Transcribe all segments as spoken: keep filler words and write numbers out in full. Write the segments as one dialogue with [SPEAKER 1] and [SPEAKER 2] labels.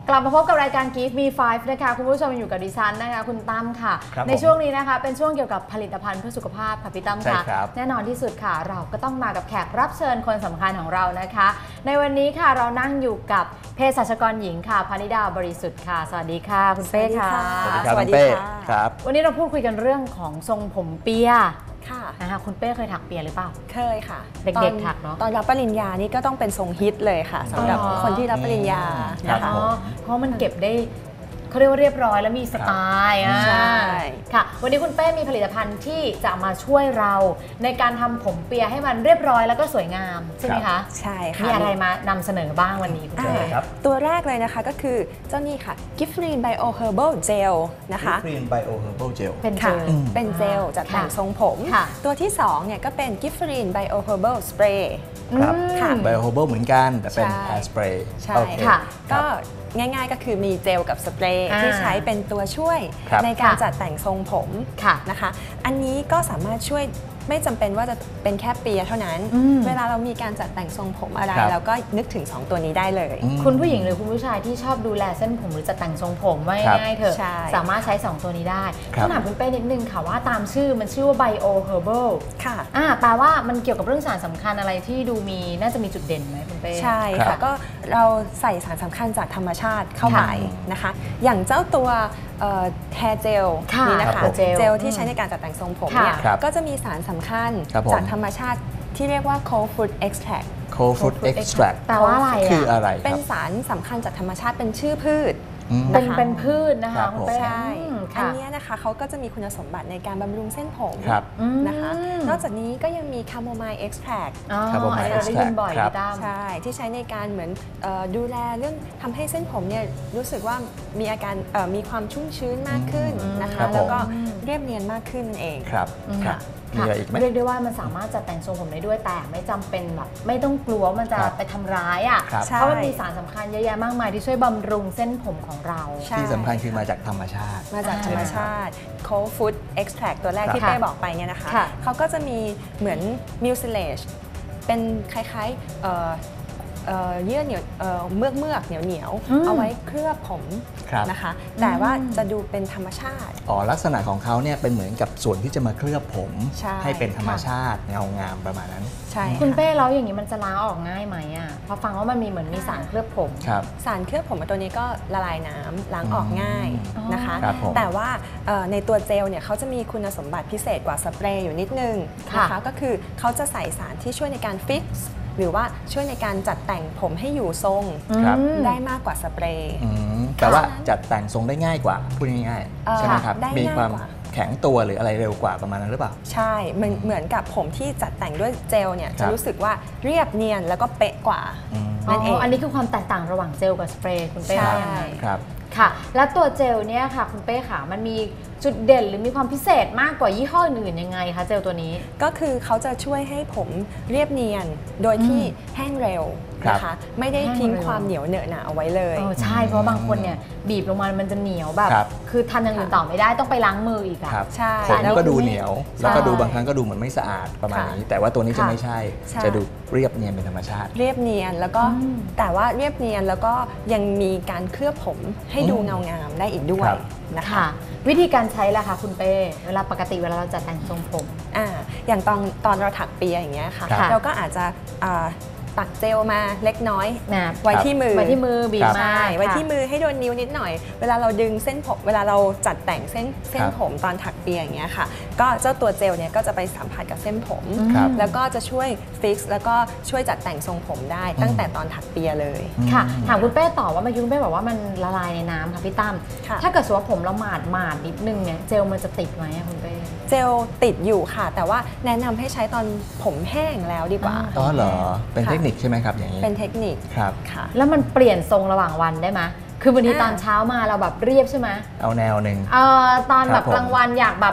[SPEAKER 1] กลับมาพบกับรายการ Give Me Five นะคะคุณผู้ชมอยู่กับดิฉันนะคะคุณตั้มค่ะในช่วงนี้นะคะเป็นช่วงเกี่ยวกับผลิตภัณฑ์เพื่อสุขภาพค่ะพี่ตั้มค่ะแน่นอนที่สุดค่ะเราก็ต้องมากับแขกรับเชิญคนสำคัญของเรานะคะในวันนี้ค่ะเรานั่งอยู่กับเภสัชกรหญิงค่ะพนิดาบริสุทธิ์ค่ะสวัสดีค่ะคุณเป้ค่ะ
[SPEAKER 2] สวัสดีค่ะครับ
[SPEAKER 1] วันนี้เราพูดคุยกันเรื่องของทรงผมเปีย
[SPEAKER 3] ค่ะ
[SPEAKER 1] นะคะคุณเป้เคยถักเปียหรือเปล่า
[SPEAKER 3] เคยค่ะ
[SPEAKER 1] เด็กๆถักเนาะ
[SPEAKER 3] ตอนรับปริญญานี่ก็ต้องเป็นทรงฮิตเลยค่ะสำหรับคนที่รับปริญญานะคะ
[SPEAKER 1] เพราะมันเก็บได้เขาเรียกว่าเรียบร้อยแล้วมีสไตล์อ่ะ
[SPEAKER 3] ใช่
[SPEAKER 1] ค่ะวันนี้คุณเป้มีผลิตภัณฑ์ที่จะมาช่วยเราในการทำผมเปียให้มันเรียบร้อยแล้วก็สวยงามใช่ไหมคะ
[SPEAKER 3] ใช่ค่ะ
[SPEAKER 1] มีอะไรมานำเสนอบ้างวันนี้คุณเป้
[SPEAKER 2] ครับ
[SPEAKER 3] ตัวแรกเลยนะคะก็คือเจ้านี่ค่ะ Giftgreen Bio Herbal Gel นะคะ
[SPEAKER 2] Giftgreen Bio Herbal Gel
[SPEAKER 1] เป็นเจล
[SPEAKER 3] เป็นเจลจัดแต่งทรงผมตัวที่สองเนี่ยก็เป็น Giftgreen Bio Herbal Spray
[SPEAKER 2] ครับค่ะ Bio Herbal เหมือนกันแต่เป็น Hair Spray
[SPEAKER 3] ใช่ค่ะก็ง่ายๆก็คือมีเจลกับสเปรย์ที่ใช้เป็นตัวช่วยในการจัดแต่งทรงผมนะคะอันนี้ก็สามารถช่วยไม่จำเป็นว่าจะเป็นแค่เปียเท่านั้นเวลาเรามีการจัดแต่งทรงผมอะไรเราก็นึกถึงสองตัวนี้ได้เลย
[SPEAKER 1] คุณผู้หญิงหรือคุณผู้ชายที่ชอบดูแลเส้นผมหรือจัดแต่งทรงผมไว้ง่ายเถอะสามารถใช้สองตัวนี้ได้ต้องถามคุณเป้นิดนึงค่ะว่าตามชื่อมันชื่อว่า Bio Herbal
[SPEAKER 3] ค่ะ
[SPEAKER 1] อ่าแปลว่ามันเกี่ยวกับเรื่องสารสำคัญอะไรที่ดูมีน่าจะมีจุดเด่นไหมคุณเป้
[SPEAKER 3] ใช่ค่ะก็เราใส่สารสำคัญจากธรรมชาติเข้าไปนะคะอย่างเจ้าตัวแฮร์เจลนี่นะคะเจลที่ใช้ในการจัดแต่งทรงผมเนี่ยก็จะมีสารสำคัญจากธรรมชาติที่เรียกว่า Cold Food Extract
[SPEAKER 2] Cold Food Extract
[SPEAKER 1] แปลว่าอะไร
[SPEAKER 2] คืออะไร
[SPEAKER 3] เป็นสารสำคัญจากธรรมชาติเป็นชื่อพืช
[SPEAKER 1] เป็นเป็นพืชนะคะ
[SPEAKER 3] ใช่อันนี้นะคะเขาก็จะมีคุณสมบัติในการบำรุงเส้นผมนะคะนอกจากนี้ก็ยังมีคาโมไมล์เอ็กซ์แทรค
[SPEAKER 2] คาโมไมล์เอ็กซ์แทรค
[SPEAKER 3] ใช่ที่ใช้ในการเหมือนดูแลเรื่องทำให้เส้นผมเนี่ยรู้สึกว่ามีอาการมีความชุ่มชื้นมากขึ้นนะคะแล้วก็เรียบเนียนมากขึ้นนั่นเอง
[SPEAKER 2] ครับมีอะไรอีกไหม
[SPEAKER 1] เรียกได้ว่ามันสามารถจัดแต่งทรงผมได้ด้วยแต่ไม่จำเป็นแบบไม่ต้องกลัวมันจะไปทำร้ายอ่ะเพราะมันมีสารสำคัญเยอะแยะมากมายที่ช่วยบำรุงเส้นผมของเรา
[SPEAKER 2] ที่สำคัญคือมาจากธรรมชาติ
[SPEAKER 3] มาจากธรรมชาติ Cold Food Extract ตัวแรกที่เป้บอกไปเนี่ยนะคะเขาก็จะมีเหมือน mucilage เป็นคล้ายๆเยื่อเหนียวเมือกเมือกเหนียวเหนียวเอาไว้เคลือบผมนะคะแต่ว่าจะดูเป็นธรรมชาติ
[SPEAKER 2] อ๋อลักษณะของเขาเนี่ยเป็นเหมือนกับส่วนที่จะมาเคลือบผมให้เป็นธรรมชาติเงางามประมาณนั้น
[SPEAKER 3] ใช่
[SPEAKER 1] คุณเป้แล้วอย่างนี้มันจะล้างออกง่ายไหมอ่ะพอฟังว่ามันมีเหมือนมีสารเคลือบผม
[SPEAKER 3] สารเคลือบผมตัวนี้ก็ละลายน้ำล้างออกง่ายนะคะแต่ว่าในตัวเจลเนี่ยเขาจะมีคุณสมบัติพิเศษกว่าสเปรย์อยู่นิดนึงนะคะก็คือเขาจะใส่สารที่ช่วยในการฟิกซ์หรือว่าช่วยในการจัดแต่งผมให้อยู่ทรงได้มากกว่าสเปรย์
[SPEAKER 2] แต่ว่าจัดแต่งทรงได้ง่ายกว่าพูดง่ายๆใช่ไหมครับมีความแข็งตัวหรืออะไรเร็วกว่าประมาณนั้นหรือเปล่า
[SPEAKER 3] ใช่เหมือนเหมือนกับผมที่จัดแต่งด้วยเจลเนี่ยจะรู้สึกว่าเรียบเนียนแล้วก็เป๊ะกว่า
[SPEAKER 1] นั่นเองอันนี้คือความแตกต่างระหว่างเจลกับสเปรย์คุณเป้ว่ายังไง
[SPEAKER 2] ครับ
[SPEAKER 1] ค่ะแล้วตัวเจลเนี่ยค่ะคุณเป้ค่ะมันมีจุดเด่นหรือมีความพิเศษมากกว่ายี่ห้ออื่นยังไงคะเจลตัวนี้
[SPEAKER 3] ก็คือเขาจะช่วยให้ผมเรียบเนียนโดยที่แห้งเร็วนะคะไม่ได้ทิ้งความเหนียวเหนอะหนะเอาไว้เลย
[SPEAKER 1] ใช่เพราะบางคนเนี่ยบีบลงมามันจะเหนียวแบบคือทำอย่างอื่นต่อไม่ได้ต้องไปล้างมืออีกอ่ะ
[SPEAKER 3] ใช่
[SPEAKER 2] ผมก็ดูเหนียวแล้วก็ดูบางครั้งก็ดูเหมือนไม่สะอาดประมาณนี้แต่ว่าตัวนี้จะไม่ใช่จะดูเรียบเนียนเป็นธรรมชาติ
[SPEAKER 3] เรียบเนียนแล้วก็แต่ว่าเรียบเนียนแล้วก็ยังมีการเคลือบผมให้ดูเงางามได้อีกด้วยนะคะ
[SPEAKER 1] วิธีการใช้ล่ะคะคุณเป้เวลาปกติเวลาเราจัดแต่งทรงผม
[SPEAKER 3] อ่าอย่างตอนตอนเราถักเปียอย่างเงี้ยค่ะเราก็อาจจะตักเจลมาเล็กน้อยไว้ที่มือ
[SPEAKER 1] ไว้ที่มือบีบมา
[SPEAKER 3] ไว้ที่มือให้โดนนิ้วนิดหน่อยเวลาเราดึงเส้นผมเวลาเราจัดแต่งเส้นเส้นผมตอนถักเปียอย่างเงี้ยค่ะก็เจ้าตัวเจลเนี่ยก็จะไปสัมผัสกับเส้นผมแล้วก็จะช่วยฟิกซ์แล้วก็ช่วยจัดแต่งทรงผมได้ตั้งแต่ตอนถักเปียเลย
[SPEAKER 1] ค่ะถามคุณเป้ต่อว่าเมื่อกี้คุณเป้บอกว่ามันละลายในน้ำค่ะพี่ตั้มถ้าเกิดสมมติว่าผมเราหมาดหมาดนิดนึงเนี่ยเจลมันจะติดไหมคุณเป้
[SPEAKER 3] เจลติดอยู่ค่ะแต่ว่าแนะนำให้ใช้ตอนผมแห้งแล้วดีกว่า
[SPEAKER 2] อ๋อเหรอเป็นเทคนิคใช่ไหมครับอย่างนี้
[SPEAKER 3] เป็นเทคนิค
[SPEAKER 2] ครับ
[SPEAKER 3] ค่ะ
[SPEAKER 1] แล้วมันเปลี่ยนทรงระหว่างวันได้ไหมคือบางทีตอนเช้ามาเราแบบเรียบใช่ไหม
[SPEAKER 2] เอาแนวหนึ่ง
[SPEAKER 1] เออตอนแบบกลางวันอยากแบบ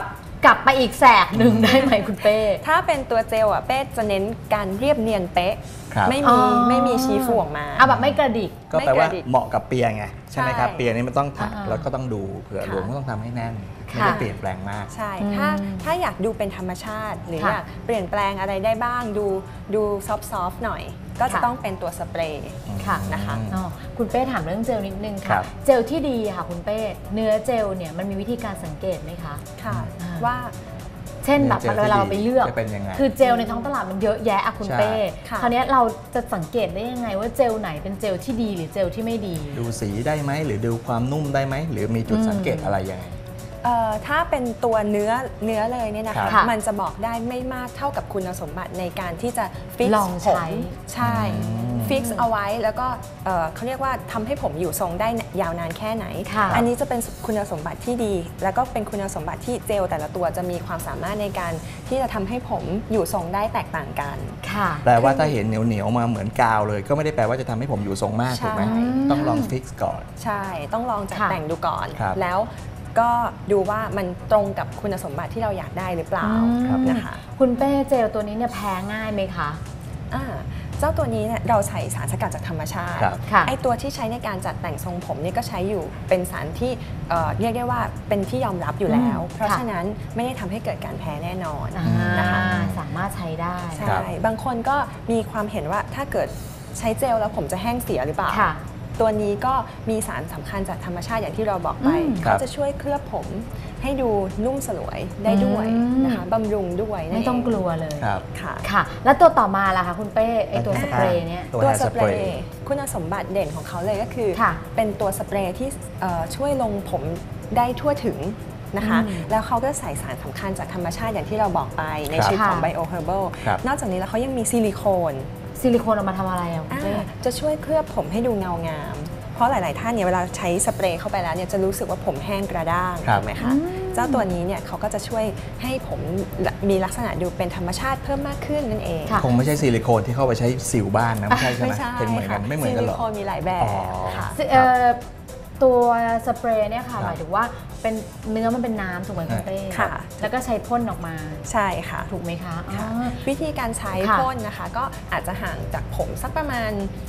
[SPEAKER 1] กลับไปอีกแสกหนึ่งได้ไหมคุณเป้
[SPEAKER 3] ถ้าเป็นตัวเจลอ่ะเป้จะเน้นการเรียบเนียนเป๊ะไม่มีไม่มีชี้ฟูออกมา
[SPEAKER 1] เอาแบบไม่กระดิก
[SPEAKER 2] ก็แปลว่าเหมาะกับเปียไงใช่ไหมครับเปียนี้มันต้องถักแล้วก็ต้องดูเผื่อหลวงก็ต้องทำให้แน่นไม่ได้เปลี่ยนแปลงมาก
[SPEAKER 3] ใช่ถ้าถ้าอยากดูเป็นธรรมชาติหรืออยากเปลี่ยนแปลงอะไรได้บ้างดูดูซอฟต์ๆหน่อยก็จะต้องเป็นตัวสเปรย์
[SPEAKER 1] ค่ะ
[SPEAKER 3] นะคะ
[SPEAKER 1] คุณเป้ถามเรื่องเจลนิดนึงค่ะเจลที่ดีค่ะคุณเป้เนื้อเจลเนี่ยมันมีวิธีการสังเกตไหมคะ
[SPEAKER 3] ค่ะว่า
[SPEAKER 1] เช่นแบบเวลาเราไปเลือกคือเจลในท้องตลาดมันเยอะแยะอะคุณเป้คราวนี้เราจะสังเกตได้ยังไงว่าเจลไหนเป็นเจลที่ดีหรือเจลที่ไม่ดี
[SPEAKER 2] ดูสีได้ไหมหรือดูความนุ่มได้ไหมหรือมีจุดสังเกตอะไรยังไง
[SPEAKER 3] ถ้าเป็นตัวเนื้อเนื้อเลยเนี่ยนะคะมันจะบอกได้ไม่มากเท่ากับคุณสมบัติในการที่จะฟิกซ์ผมใช่ฟิกซ์เอาไว้แล้วก็เขาเรียกว่าทำให้ผมอยู่ทรงได้ยาวนานแค่ไหนอันนี้จะเป็นคุณสมบัติที่ดีแล้วก็เป็นคุณสมบัติที่เจลแต่ละตัวจะมีความสามารถในการที่จะทำให้ผมอยู่ทรงได้แตกต่างกัน
[SPEAKER 2] แปลว่าถ้าเห็นเหนียวเหนียวมาเหมือนกาวเลยก็ไม่ได้แปลว่าจะทำให้ผมอยู่ทรงมากถูกไหมต้องลองฟิกซ์ก่อน
[SPEAKER 3] ใช่ต้องลองจัดแต่งดูก่อนแล้วก็ดูว่ามันตรงกับคุณสมบัติที่เราอยากได้หรือเปล่านะคะ
[SPEAKER 1] คุณเป้เจลตัวนี้เนี่ยแพ้ง่ายไหมคะ
[SPEAKER 3] เจ้าตัวนี้เนี่ยเราใส่สารสกัดจากธรรมชาติไอตัวที่ใช้ในการจัดแต่งทรงผมนี่ก็ใช้อยู่เป็นสารที่เรียกได้ว่าเป็นที่ยอมรับอยู่แล้วเพราะฉะนั้นไม่ได้ทำให้เกิดการแพ้แน่นอน
[SPEAKER 1] นะคะสามารถใช้ได้
[SPEAKER 3] ใช่บางคนก็มีความเห็นว่าถ้าเกิดใช้เจลแล้วผมจะแห้งเสียหรือเปล่าตัวนี้ก็มีสารสำคัญจากธรรมชาติอย่างที่เราบอกไปเขาจะช่วยเคลือบผมให้ดูนุ่มสลวยได้ด้วยนะคะบำรุงด้วย
[SPEAKER 1] ไม่ต้องกลัวเลยค่ะค่ะแล้วตัวต่อมาล่ะคะคุณเป้ไอตัวสเปรย์เนี่ย
[SPEAKER 3] ตัวสเปรย์คุณสมบัติเด่นของเขาเลยก็คือเป็นตัวสเปรย์ที่ช่วยลงผมได้ทั่วถึงนะคะแล้วเขาก็ใส่สารสำคัญจากธรรมชาติอย่างที่เราบอกไปในชื่อของ Bio Herbal นอกจากนี้แล้วเขายังมีซิลิโคน
[SPEAKER 1] ซิลิโคนเอามาทำอะไรอ่ะคุณเป้
[SPEAKER 3] จะช่วยเคลือบผมให้ดูเงางามเพราะหลายๆท่านเนี่ยเวลาใช้สเปรย์เข้าไปแล้วเนี่ยจะรู้สึกว่าผมแห้งกระด้างถูกไหมคะเจ้าตัวนี้เนี่ยเขาก็จะช่วยให้ผมมีลักษณะดูเป็นธรรมชาติเพิ่มมากขึ้นนั่นเอง
[SPEAKER 2] คงไม่ใช่ซิลิโคนที่เข้าไปใช้สิวบ้านนะไม่ใช่ใช่ไหมเป็นเหมือนกันไม่เหมือนกันหรอ
[SPEAKER 3] ซิลิโคนมีหลายแบบค่ะ
[SPEAKER 1] ตัวสเปรย์เนี่ยค่ะหมายถึงว่าเป็นเนื้อมันเป็นน้ำถูกไหมคุณเป้ค่ะแล้วก็ใช้พ่นออกมา
[SPEAKER 3] ใช่ค่ะ
[SPEAKER 1] ถูกไหมคะ
[SPEAKER 3] วิธีการใช้พ่นนะคะก็อาจจะห่างจากผมสักประมาณ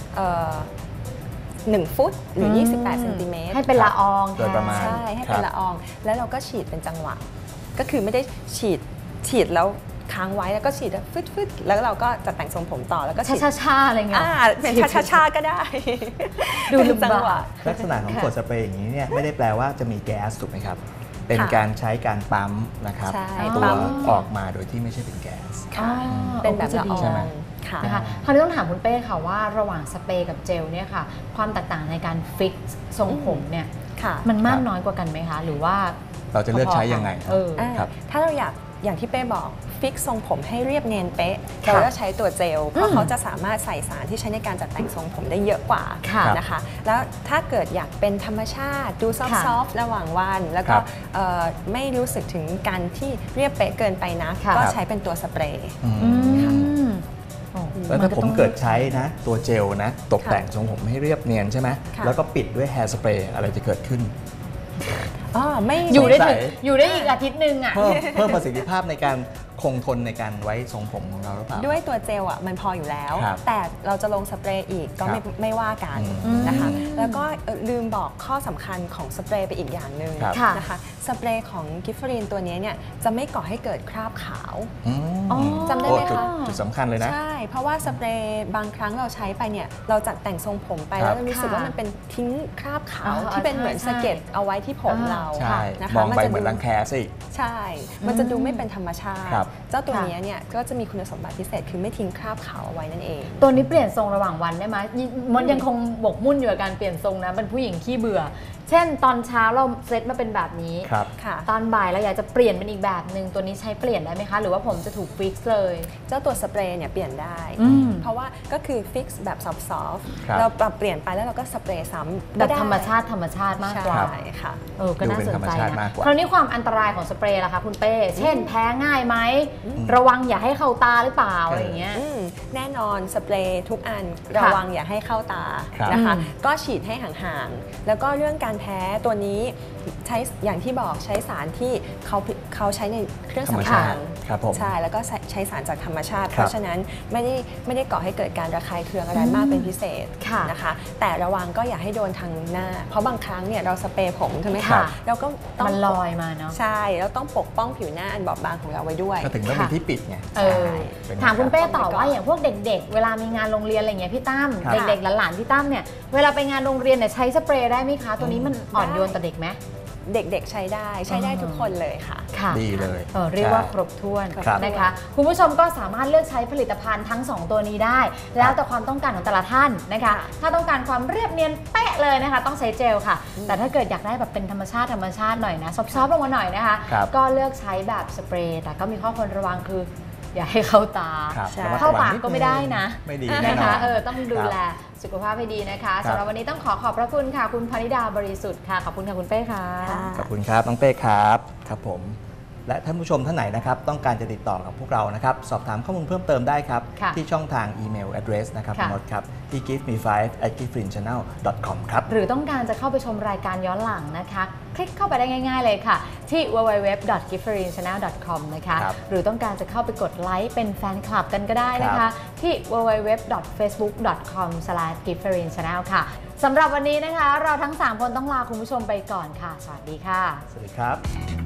[SPEAKER 3] หนึ่งฟุตหรือยี่สิบแปดเซนติเมตร
[SPEAKER 1] ให้เป็นละออง
[SPEAKER 2] โดยประมาณ
[SPEAKER 3] ใช่ให้เป็นละอองแล้วเราก็ฉีดเป็นจังหวะก็คือไม่ได้ฉีดฉีดแล้วค้างไว้แล้วก็ฉีดฟึดฟึดแล้วเราก็จะแต่งทรงผมต่อแล้วก็ฉีด
[SPEAKER 1] ช้าๆอะไรเงี้ย
[SPEAKER 3] เป็นช้าๆก็ได้
[SPEAKER 1] ดูจังหวะ
[SPEAKER 2] ลักษณะของขวดสเปรย์อย่างนี้เนี่ยไม่ได้แปลว่าจะมีแก๊สถูกไหมครับเป็นการใช้การปั๊มนะครับตัวออกมาโดยที่ไม่ใช่เป็นแก๊ส
[SPEAKER 3] เป็นแบบละออง
[SPEAKER 1] นะคะคราวนี้ต้องถามคุณเป้ค่ะว่าระหว่างสเปรย์กับเจลเนี่ยค่ะความแตกต่างในการฟิกทรงผมเนี่ยมันมากน้อยกว่ากันไหมคะหรือว่า
[SPEAKER 2] เราจะเลือกใช้ยังไง
[SPEAKER 3] ครับถ้าเราอยากอย่างที่เป้บอกฟิกทรงผมให้เรียบเนียนเป๊ะเราก็ใช้ตัวเจลเพราะเขาจะสามารถใส่สารที่ใช้ในการจัดแต่งทรงผมได้เยอะกว่านะคะแล้วถ้าเกิดอยากเป็นธรรมชาติดูซอฟต์ๆระหว่างวันแล้วก็ไม่รู้สึกถึงการที่เรียบเป๊ะเกินไปนะก็ใช้เป็นตัวสเปรย์
[SPEAKER 2] แล้วถ้าผมเกิดใช้นะตัวเจลนะตกแต่งทรงผมให้เรียบเนียนใช่ไหมแล้วก็ปิดด้วยแฮร์สเปรย์อะไรจะเกิดขึ้น
[SPEAKER 3] ไม่
[SPEAKER 1] อยู่ได้ถึงอยู่ได้อีกอาทิตย์หนึ่งอ่ะ
[SPEAKER 2] เพิ่มเพิ่มประสิทธิภาพในการคงทนในการไว้ทรงผมของเราหรือเปล่า
[SPEAKER 3] ด้วยตัวเจลอ่ะมันพออยู่แล้วแต่เราจะลงสเปรย์อีกก็ไม่ไม่ว่ากันนะคะแล้วก็ลืมบอกข้อสำคัญของสเปรย์ไปอีกอย่างหนึ่งนะคะสเปรย์ของกิฟฟรีนตัวนี้เนี่ยจะไม่ก่อให้เกิดคราบขาวจำได้ไหมคะ
[SPEAKER 2] จุดสำคัญเลยนะ
[SPEAKER 3] ใช่เพราะว่าสเปรย์บางครั้งเราใช้ไปเนี่ยเราจัดแต่งทรงผมไปแล้วรู้สึกว่ามันเป็นทิ้งคราบขาวที่เป็นเหมือนสะเก็ดเอาไว้ที่ผมเรา
[SPEAKER 2] นะคะมองไปเหมือนรังแคสิ
[SPEAKER 3] ใช่มันจะดูไม่เป็นธรรมชาติเจ้าตัวนี้เนี่ยก็จะมีคุณสมบัติพิเศษคือไม่ทิ้งคราบขาวเอาไว้นั่นเอง
[SPEAKER 1] ตัวนี้เปลี่ยนทรงระหว่างวันได้ไหมมันยังคงบกมุ่นอยู่กับการเปลี่ยนทรงนะเป็นผู้หญิงขี้เบื่อเช่นตอนเช้าเราเซตมาเป็นแบบนี้ตอนบ่ายเราอยากจะเปลี่ยนเป็นอีกแบบหนึ่งตัวนี้ใช้เปลี่ยนได้ไหมคะหรือว่าผมจะถูกฟิกซ์เลย
[SPEAKER 3] เจ้าตัวสเปรย์เนี่ยเปลี่ยนได้เพราะว่าก็คือฟิกซ์แบบซอฟต์ๆเราปรับเปลี่ยนไปแล้วเราก็สเปรย์ซ้ำ
[SPEAKER 1] แบบธรรมชาติธรรมชาติมากกว่า
[SPEAKER 3] ใช่ค่ะ
[SPEAKER 1] เออก็น่าสนใจนะคราวนี้ความอันตรายของสเปรย์ล่ะคะคุณเป้เช่นแพ้ง่ายไหมระวังอย่าให้เข้าตาหรือเปล่าอะไรอย่างเงี้ย
[SPEAKER 3] แน่นอนสเปรย์ทุกอันระวังอย่าให้เข้าตานะคะก็ฉีดให้ห่างๆแล้วก็เรื่องการแพ้ตัวนี้ใช้อย่างที่บอกใช้สารที่เขาเขาใช้ในเครื่อง
[SPEAKER 2] ธรรม
[SPEAKER 3] สำ
[SPEAKER 2] ชา
[SPEAKER 3] อาง
[SPEAKER 2] ติครับผม
[SPEAKER 3] ใช่แล้วก็ใช้ใช้สารจากธรรมชาติ
[SPEAKER 2] ครับ
[SPEAKER 3] เพราะฉะนั้นไม่ได้ไม่ได้ก่อให้เกิดการระคายเคืองอะไรมากเป็นพิเศษ
[SPEAKER 1] ค่ะ
[SPEAKER 3] นะคะแต่ระวังก็อย่าให้โดนทางหน้า เพราะบางครั้งเนี่ยเราสเปรย์ผมใช่ไหม
[SPEAKER 1] ค่ะ
[SPEAKER 3] คะเราก็ต้อง
[SPEAKER 1] มันลอยมาเนาะ
[SPEAKER 3] ใช่แล้วต้องปกป้องผิวหน้าอันบอบบางของเราไว้ด้วย
[SPEAKER 2] ก็ถึงต้องมีที่ปิดไง
[SPEAKER 1] เออ
[SPEAKER 2] เป็น
[SPEAKER 1] ถามคุณเป้ต่อ
[SPEAKER 3] ต้องไปก่อน
[SPEAKER 1] ว่าอย่างพวกเด็ก ๆ เวลามีงานโรงเรียนอะไรอย่างเงี้ยพี่ตั้ม
[SPEAKER 2] ครับ
[SPEAKER 1] เด็กๆหลานๆพี่ตั้มเนี่ยเวลาไปงานโรงเรียนเนี่ยใช้สเปรย์ได้ไหมคะ ตัวนี้มันอ่อนโยนต่อเด็กไหม
[SPEAKER 3] เด็กๆใช้ได้ใช้ได้ทุกคนเลยค่ะ
[SPEAKER 1] ค่ะ
[SPEAKER 2] ดีเลย
[SPEAKER 1] เออเรียกว่าครบถ้วน
[SPEAKER 2] ครับ
[SPEAKER 1] นะคะคุณผู้ชมก็สามารถเลือกใช้ผลิตภัณฑ์ทั้งสองตัวนี้ได้ แล้วแต่ความต้องการของแต่ละท่านนะคะ ถ้าต้องการความเรียบเนียนเป๊ะเลยนะคะ ต้องใช้เจลค่ะ แต่ถ้าเกิดอยากได้แบบเป็นธรรมชาติธรรมชาติหน่อยนะซอฟๆลงมาหน่อยนะคะ
[SPEAKER 2] ครับ
[SPEAKER 1] ก็เลือกใช้แบบสเปรย์แต่ก็มีข้อควรระวังคือ อย่าให้เข้าตา
[SPEAKER 2] ครับ
[SPEAKER 3] ใช่
[SPEAKER 2] ระมัด
[SPEAKER 1] เข้า
[SPEAKER 2] ระวัง
[SPEAKER 1] ปาก
[SPEAKER 2] นิด
[SPEAKER 1] ก็ไม่ได้นะ
[SPEAKER 2] ไม่ดี
[SPEAKER 1] นะ
[SPEAKER 2] แน่นอ
[SPEAKER 1] คะ
[SPEAKER 2] น
[SPEAKER 1] เออต้องดู
[SPEAKER 2] ครับ
[SPEAKER 1] แลสุขภาพให้ดีนะคะ
[SPEAKER 2] ครับ
[SPEAKER 1] สำหรับวันนี้ต้องขอขอบพระคุณค่ะ คุณพนิดาบริสุทธิ์ค่ะขอบคุณค่ะคุณเป้ค่ะ
[SPEAKER 3] ค่ะ
[SPEAKER 2] ขอบคุณครับน้องเป้ครับครับผม และท่านผู้ชมท่านไหนนะครับต้องการจะติดต่อกับพวกเรานะครับสอบถามข้อมูลเพิ่มเติมได้ครับ
[SPEAKER 1] ค่ะ
[SPEAKER 2] ที่ช่องทางอีเมล address นะครับ
[SPEAKER 1] ค่ะ
[SPEAKER 2] คุณนดครับที่ give me five at giftfriend channel dot com ครับ
[SPEAKER 1] หรือต้องการจะเข้าไปชมรายการย้อนหลังนะคะ คลิกเข้าไปได้ง่าย ๆเลยค่ะ ที่ ดับเบิลยู ดับเบิลยู ดับเบิลยู ดอท กิฟต์ฟรีน ชาแนล ดอท คอม นะคะ
[SPEAKER 2] ครับ
[SPEAKER 1] หรือต้องการจะเข้าไปกดไลค์เป็นแฟนคลับกันก็ได้นะ
[SPEAKER 2] ครั
[SPEAKER 1] คะ
[SPEAKER 2] บ
[SPEAKER 1] ที่ ดับเบิลยู ดับเบิลยู ดับเบิลยู ดอท เฟซบุ๊ก ดอท คอม สแลช กิฟต์ฟรีน ชาแนล ค่ะสำหรับวันนี้นะคะ เราทั้งสามคนต้องลาคุณผู้ชมไปก่อนค่ะ สวัสดีค่ะ
[SPEAKER 2] สวัสดีครับ